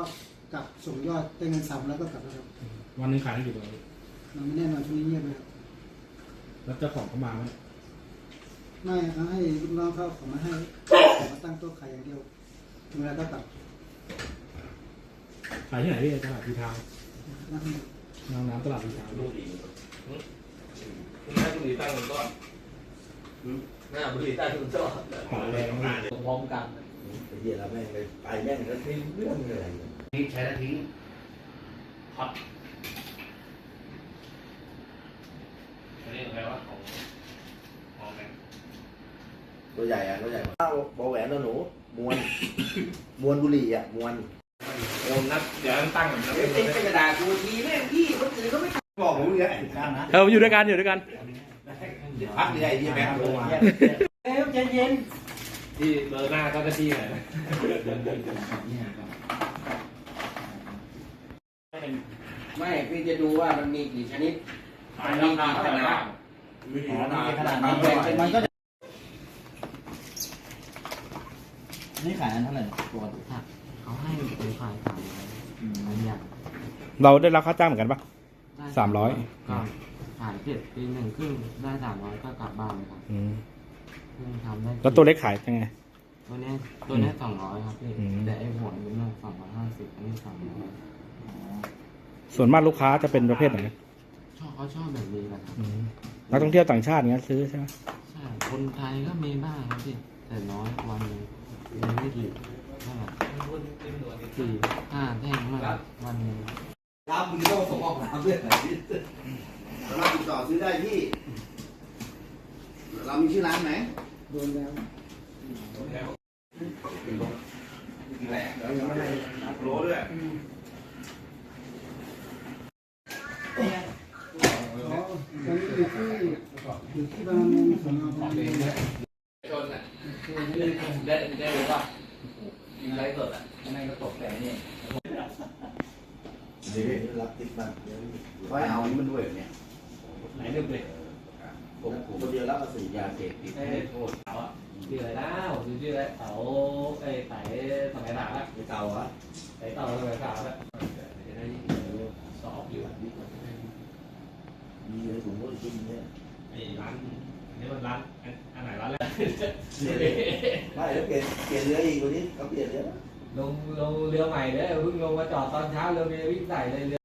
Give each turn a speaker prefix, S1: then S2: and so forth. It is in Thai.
S1: กลับส่งยอดได้เงินซ้ำแล้วก็กลับแล้วครับ
S2: วันนึงขายได้กี่ตัว
S1: มันไม่แน่นอนช่วงนี้เงียบเลยครับ
S2: แล้วเจ้าของเขามาไหม
S1: ไม่เขาให้ลูกน้องเขาของมาให้ขอตั้งโต๊ะขายอย่างเดียวเวลาก็กลับ
S2: ขายที่ไหนพี่ตลาดพีทาว
S1: น้ำ
S2: ตลาดพีทาว
S3: บุหรี่หน้าบุหรี่ตั้งก้อนหน้าบุหรี่ตั้งก้อน
S2: ขอแรงมาก
S3: พร้อมกัน
S4: ไอ้เหี้ยแล้วแม่งไปแม่งแล้วทิ้งเรื่องเลย
S3: นี่ใช้แล้วทิ้งฮอตอันนี้อะไรวะของแบง
S4: ตัวใหญ่อะตัวใหญ่ข้าวบอแหวนตัวหนูมวนบุหรี่อะมวน
S3: โอนนับเดี๋ยวตั้งก่อนนะ
S4: เป็นกระดาษกูทีแม่งพี่คนอื่นเขาไม่บอกผมเลย
S2: อยู่ด้วยกัน
S4: พักใหญ่ที่แบงค์ลงมา
S1: ใจเย็น
S3: ที่เบอร์หน้าก็ที่ไหน
S5: ไม่พี่จะดูว่ามันมีกี่ชนิด
S3: มันมีกี่ขนาด
S5: ขนาดมันแบ่งเป็นมันก็
S6: นี่ขายอันเท่าไหร่ตัวผักเขาให้เป็นขายอันอย่าง
S2: เราได้รับค่าจ้างเหมือนกันปะ300
S6: ก็ขายเสร็จปีหนึ่งครึ่งได้300ก็กลับบ้านเลยครับทำได้
S2: แล้วตัวเล็กขายยังไง
S6: ตัวนี้200ครับพี่แต่ไอ้หัวนี่มัน250อันนี้300
S2: ส่วนมากลูกค้าจะเป็นประเภทไหน
S6: เขาชอบแบบนี้นะครับ
S2: นักท่องเที่ยวต่างชาติเงี้ยซื้อใช่ไหม
S6: ใช่คนไทยก็มีบ้างครับพี่แต่น้อยวันนึงยังไม่กี่เท่าไหร่4-5 แท่งมากวันนึง
S4: รับมึงต้องส่งออกน้ำเพื่อนไหนสามารถติดต่อซื้อได้ที่เรามีชื่อร้านไหม
S1: โดนแล้ว
S4: แหละแล้วยังไม่ได้โลด้วย
S1: อยู่ที่บางมุมของเรา
S3: ชนอ่ะได้รู้ป่ะยิงไรสดอ่ะไม่ก็ตกแต่นี่
S4: นี่รับติดมันไว้เอานี่มันด้วยเนี่ย
S3: ไหนนึกเลย
S4: ผมคนเดียวรับสื่อยาเสพติด
S3: ให้โทษเขาอ่ะชื่ออะไรนะชื่ออะไรเต๋าไอ้ไต่สมัยหลังอ่ะ
S4: ไอ้เต่าอ่ะ
S3: ไต่เต่าสมัยหลังอ่ะจะได้สอบอยู่
S4: มีอะไรถุงมือกินเนี่ย
S3: ไอ้ร้านนี่มันร้านอันไหนร้านแรก
S4: ไม่แล้วเปลี่ยนเรืออีกวันนี้เขาเปลี่ยนเรือ
S3: ลงเรือใหม่เลยเพิ่งลงมาจอดตอนเช้าเรือวิ่งใส่เลย